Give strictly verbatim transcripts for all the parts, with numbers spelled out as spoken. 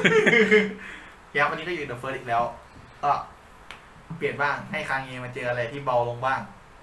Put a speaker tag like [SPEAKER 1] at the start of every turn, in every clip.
[SPEAKER 1] ยับวันนี้ก็อยู่เดอะเฟิร์สอีกแล้วก็เปลี่ยนบ้างให้คางเงมาเจออะไรที่เบาลงบ้าง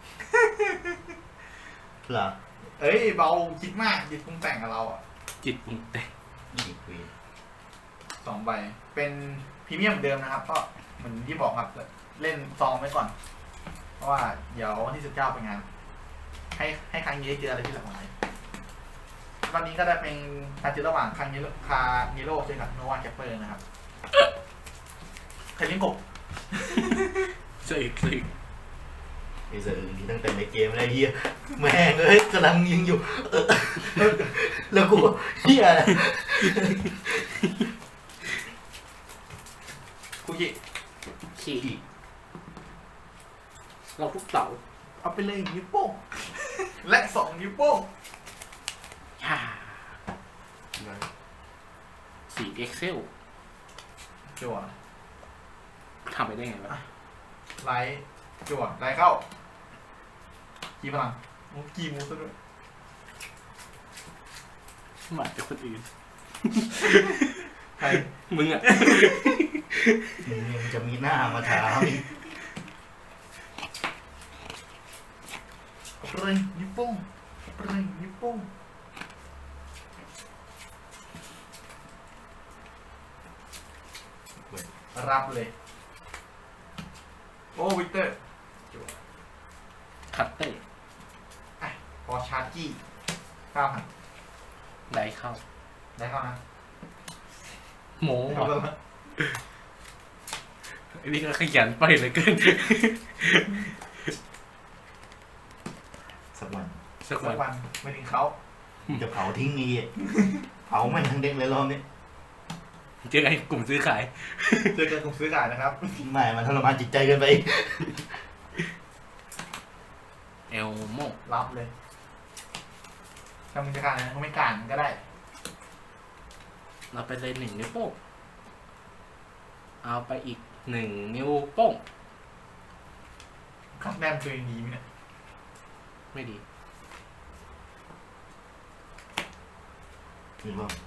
[SPEAKER 2] เหรอ
[SPEAKER 1] เอ้ยเบาคิดมากจิตปรุงแต่งกับเราอ่ะ
[SPEAKER 3] จิตปรุงแต่ง
[SPEAKER 2] อีกวี
[SPEAKER 1] สองใบเป็นพรีเมียมเหมือนเดิมนะครับก็เหมือนที่บอกครับเล่นซองไว้ก่อนเพราะว่าเดี๋ยววันที่สิบเก้าไปงานให้ให้คางเงเจออะไรที่หลากหลายวันนี้ก็ได้เป็นการเจอระหว่างคางเงคาเงโร่เจอกับโนวาแคปเปอร์นะครับใครเลี้ยงกบ
[SPEAKER 3] เสียอีกเสียอีก
[SPEAKER 2] ไอ้เสืออื่นที่ตั้งแต่ในเกมอะไรเฮียแม่งเอ้ยกำลังยิงอยู่แล้วกูเฮีย
[SPEAKER 1] คุกิ
[SPEAKER 3] ขี่เราทุกเสา
[SPEAKER 1] เอาไปเลยนิ้วโป้งและสองนิ้วโป้ง
[SPEAKER 3] ฮ่าสีเอ็กเซล
[SPEAKER 1] จั่ว
[SPEAKER 3] ทำไปได้ไงวะ
[SPEAKER 1] ไลท์จั่วไลท์เข้ากี่พลังมูกี่มูซะด้วย
[SPEAKER 3] หมายจากคนอื่น
[SPEAKER 1] ใคร
[SPEAKER 3] มึงอ่ะ
[SPEAKER 2] มึงจะมีหน้ามาถามอีก
[SPEAKER 1] เปรย์นิ้วโป้งเปรย์นิ้วโป้งรับเลยโอ้วิกเตอร์
[SPEAKER 3] คัตเต้
[SPEAKER 1] อ่ะพอชาร์จี้เก้าพัน
[SPEAKER 3] ได้เข้า
[SPEAKER 1] ได้เข้านะ
[SPEAKER 3] โม้อันนี้ก็ขยันไปเลยเกิน
[SPEAKER 2] สักวัน
[SPEAKER 1] สักวันไม่ถึงเขา
[SPEAKER 2] จะเผาทิ้งนี่เผาไม่ทั้งเด็กเลยรอบนี้
[SPEAKER 3] เจอไอ้กลุ่มซื้อขาย
[SPEAKER 1] เจอกันกลุ่มซื้อขายนะครับ
[SPEAKER 2] ไม่มันทรมานจิตใจเกินไป
[SPEAKER 3] เอลโม
[SPEAKER 1] รับเลยถ้ามึงจะการนะมึงไม่การก็ได้
[SPEAKER 3] เราไปเลยหนึ่งนิ้วโป้งเอาไปอีกหนึ่งนิ้วโป้ง
[SPEAKER 1] ขับแนมตัวดีไหมเนี่ย
[SPEAKER 3] ไม่ดี
[SPEAKER 2] มีบ้าง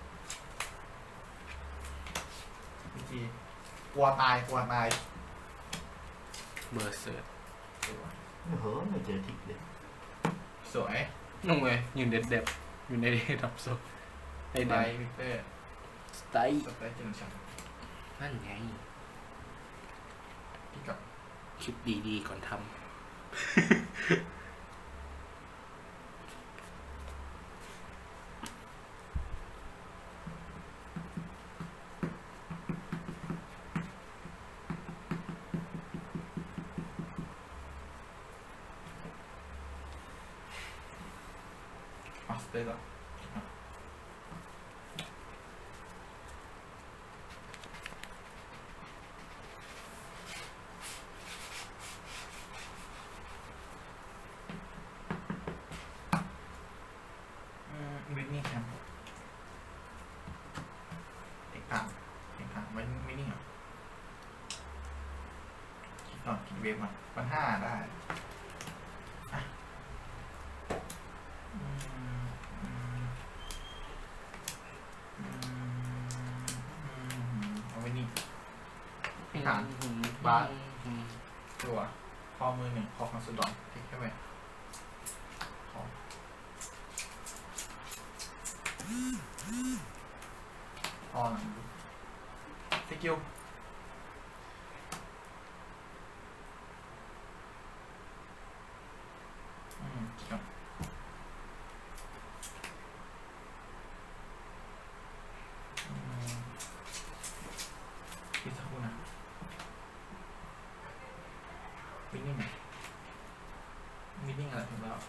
[SPEAKER 1] กลัวตายกลัวตาย
[SPEAKER 3] เบอร์เซอร์
[SPEAKER 2] เฮ้ยไม่เจอทิกเลย
[SPEAKER 1] สวย
[SPEAKER 3] นุ่งเลยอยู่เด็ดเด็บอยู่ในดับโซ
[SPEAKER 1] ในไดวิเตอร์
[SPEAKER 3] สไตล์
[SPEAKER 1] สไตล์จังชัน
[SPEAKER 3] นั่นไง
[SPEAKER 1] พี่กับ
[SPEAKER 3] คิดดีๆก่อนทำ
[SPEAKER 1] มาสเตอร์ก่อนวินนี่แคมป์เอกต่างเอกต่างวินวินนี่เหรอคิดก่อนคิดเวฟมาปันห้าได้ฐานบาสตัวข้อมือหนึ่งข้อคอนสุดดอนทิ้งแค่ไหมข้อข้อหลังสกิลอืมครับคิดสักครู่นะวินนิ่งวินนิ่งอะไรถึงแล้ว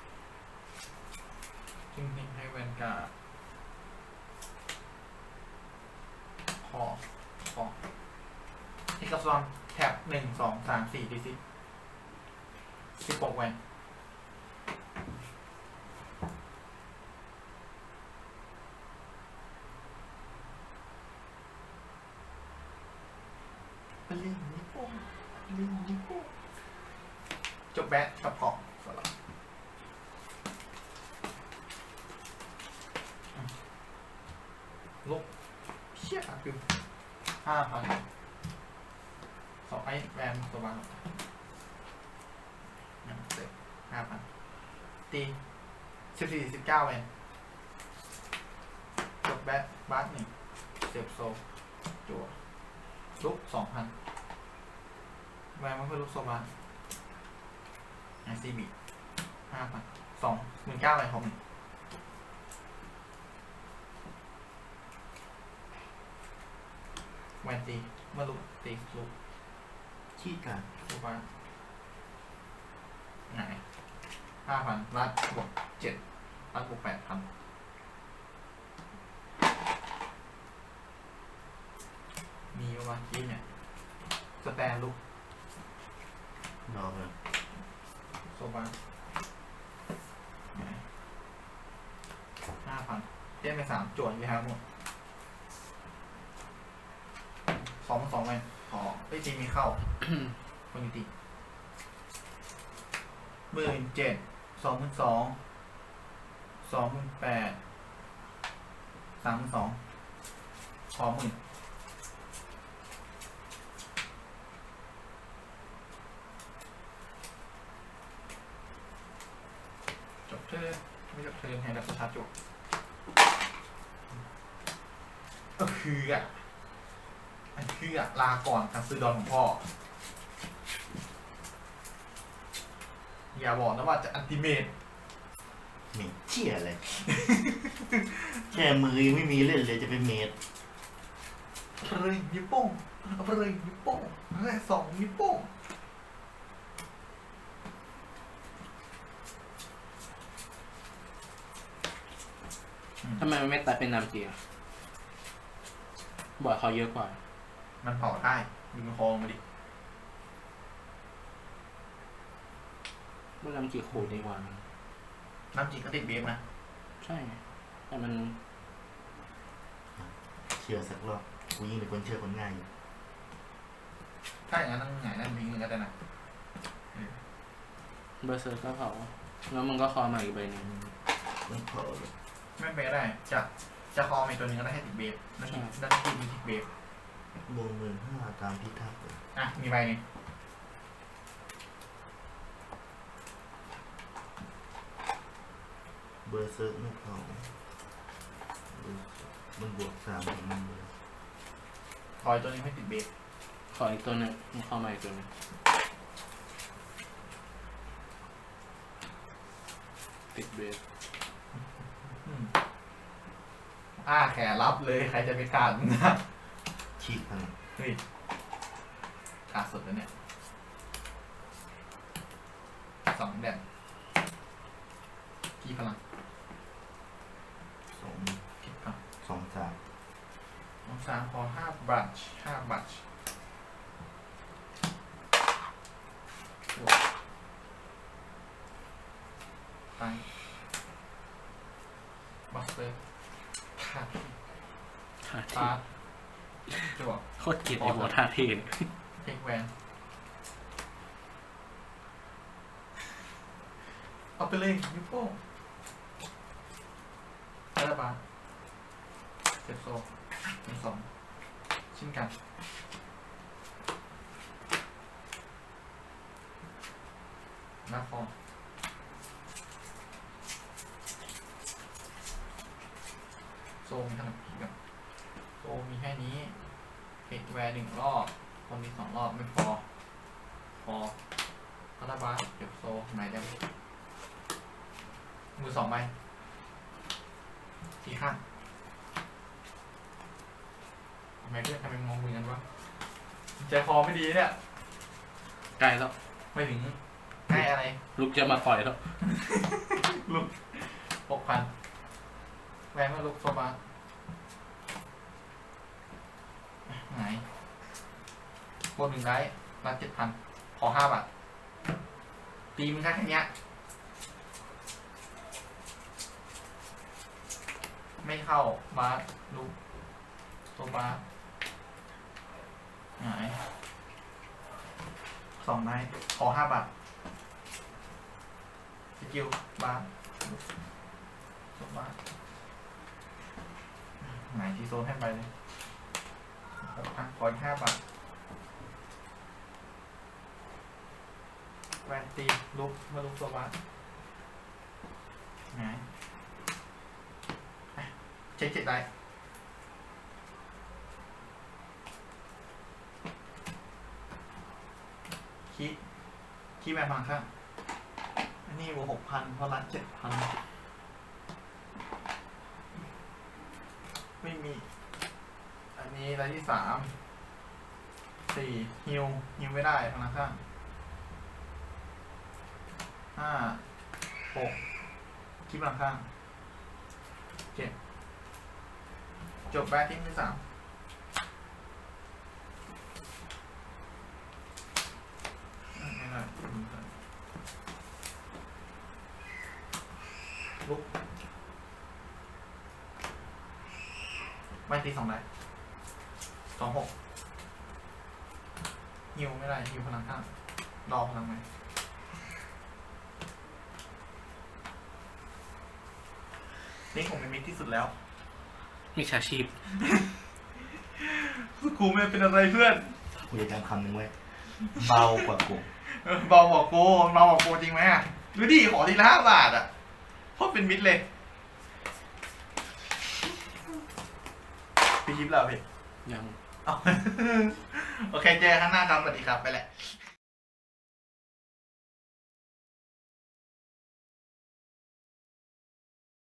[SPEAKER 1] ทิ้งทิ้งให้แวนการ์ดคอคอที่กับซอนแท็บหนึ่งสองสามสี่ดีซิสิบหกแวนไปเล่นนี่พวกเล่นนี่พวกจบแบทกับกล่องสลับลบเชี่ยคือห้าพันสองไอ้แวนตัวบางนั่นเสร็จห้าพันตีสิบสี่สิบเก้าแวนกดแบทบาสหนึ่งเซฟโซจั่วลุกสองพันแวนมันเพื่อลุกโซบาไอซีบีห้าพันสองหมื่นเก้าแวนของหนึ่งแวนตีเมื่อลุกตีลุก
[SPEAKER 2] ขี้กัน
[SPEAKER 1] ถูกปะไหนห้าพันรัดบวกเจ็ดรัดบวกแปดพันมีวะกี้เนี่ยสแตนลุก
[SPEAKER 2] ดอกเลย
[SPEAKER 1] โซบาห้าพันเต้นไปสามโจทย์อยู่ครับหมดสองสองไปขอไอ้ยทีมีเข้า คนยุติหมื่นเจ็ดสองหมื่นสองสองหมื่นแปดสามหมื่นสองขอหมื่นจบเธอไม่จบเธอให้ดับประชาจบก็คืออ่ะอันคืออ่ะลาก่อนการซื้อดอนของพ่ออย่าบอกนะว่าจะอันติเมต
[SPEAKER 2] เหม็นเชี่ยอะไร แค่มือยังไม่มีเล่นเลยจะเป็นเมด
[SPEAKER 1] เอาไปเลยนิ้วโป้งเอาไปเลยนิ้วโป้งเอาไปสองนิ้วโป้ง
[SPEAKER 3] ทำไมมันไม่ตัดเป็นนามจีอ่ะบอร์ดเขาเยอะกว่า
[SPEAKER 1] มันเผาได้ดึงคอมาดิ
[SPEAKER 3] เมื่อนามจีโคดดีกว่า
[SPEAKER 1] น้ำจีก็ติดเบฟนะ
[SPEAKER 3] ใช่แต่มัน
[SPEAKER 2] เชื่อสักรอบกูยิ่งเป็นคนเชื่อคนง่ายอยู่
[SPEAKER 1] ถ้าอย่างนั้นต้องหงายนั่นพิงนึงก็ได้นะ
[SPEAKER 3] เบอร์เซอร์ก็เผาแล้วมันก็คอมาอีกใบหนึง
[SPEAKER 2] มันเผาเลย
[SPEAKER 1] ไม่เป็นไรได้จะจะคอมาอีกตัวหนึงก็ได้ให้ติดเบฟนั่นคือนั่นคือมีติดเบฟ
[SPEAKER 2] วงเงินห้าตามพิทักษ์เลย
[SPEAKER 1] อ่ะมีใบหนึง
[SPEAKER 2] เบอร์เซิร์กไม่เผาเบอร์เซิร์กมันบวกสามของมันเลย
[SPEAKER 1] คอยตัวหนึงให้ติดเบฟ
[SPEAKER 3] ขออีกตัวหนึงมันเข้ามาอีกตัวหนึงติดเบส
[SPEAKER 1] อืมอ้าแขนรับเลยใครจะไปขาดมึงนะ
[SPEAKER 2] ชีกพัน
[SPEAKER 1] เฮ้ยขาดสุดแล้วเนี่ยสองแดนกี่พลัง
[SPEAKER 2] สอง
[SPEAKER 1] คิดก่อน
[SPEAKER 2] สองสาม
[SPEAKER 1] น้องสามพอห้าบัตชห้าบัตชไปบัสเตอร์ท่า
[SPEAKER 3] ท่า
[SPEAKER 1] ตา
[SPEAKER 3] ที่
[SPEAKER 1] จวบ
[SPEAKER 3] โคตรเกลียดไอ้หัวท่าที่
[SPEAKER 1] เทคแวนเอาไปเลยนิ้วโป้งคาราบาเซฟโซหนึ่งสองเช่นกันหน้าฟองโซมีขนาดผีกับโซมีแค่นี้เทคแวนหนึ่งรอบคนมีสองรอบไม่พอ พอคาราบาเก็บโซไหนได้ไหมมือสองใบทีข้างทำไมเพื่อนทำไมมองมือกันวะใจคอไม่ดีเนี่ย
[SPEAKER 3] ใกล้แล้ว
[SPEAKER 1] ไม่ถึงใกล้อะไร
[SPEAKER 3] ลูกจะมาต่อยแล้ว
[SPEAKER 1] ลุกหกพันแวนมาลุกโซบาไหนโบนหนึ่งได้รับเจ็ดพันขอห้าบาทตีมึงแค่แค่เนี้ยไม่เข้าบาสลุกโซบาไหนสองไม้ขอห้าบาทสกิลบาสลุกโซบาไหนที่โซนให้ไปเลยอ่ะขออีกห้าบาทแวนตีลุกมาลุกตัวบ้านไงอ่ะเช็คเจ็ดได้คีคีแวนพังข้างอันนี้บวกหกพันเพราะรัดเจ็ดพันไม่มี อันนี้รายที่สามสี่ฮิวฮิวไม่ได้พลังข้างห้าหกคิดพลังข้างเจ็ดจบแบททิ้งที่สามไม่ได้ลุกไม่ตีสองได้สองหกฮิวไม่ได้ฮิวพลังข้างรอพลังไหมนี่ผมเป็นมิตรที่สุดแล้ว
[SPEAKER 3] มีชาชีพ
[SPEAKER 1] กูไม่เป็นอะไรเพื่อน
[SPEAKER 2] กูจะจำคำหนึ่งไว้เบากว่ากู
[SPEAKER 1] เออเบาบอกกูเบาบอกกูจริงไหมอ่ะดูดิขอทีละห้าบาทอ่ะโคตรเป็นมิตรเลยพี่ชิปแล้วพี่
[SPEAKER 3] ยัง
[SPEAKER 1] เอา โอเคเจอกันข้างหน้าครับสวัสดีครับไปแหละ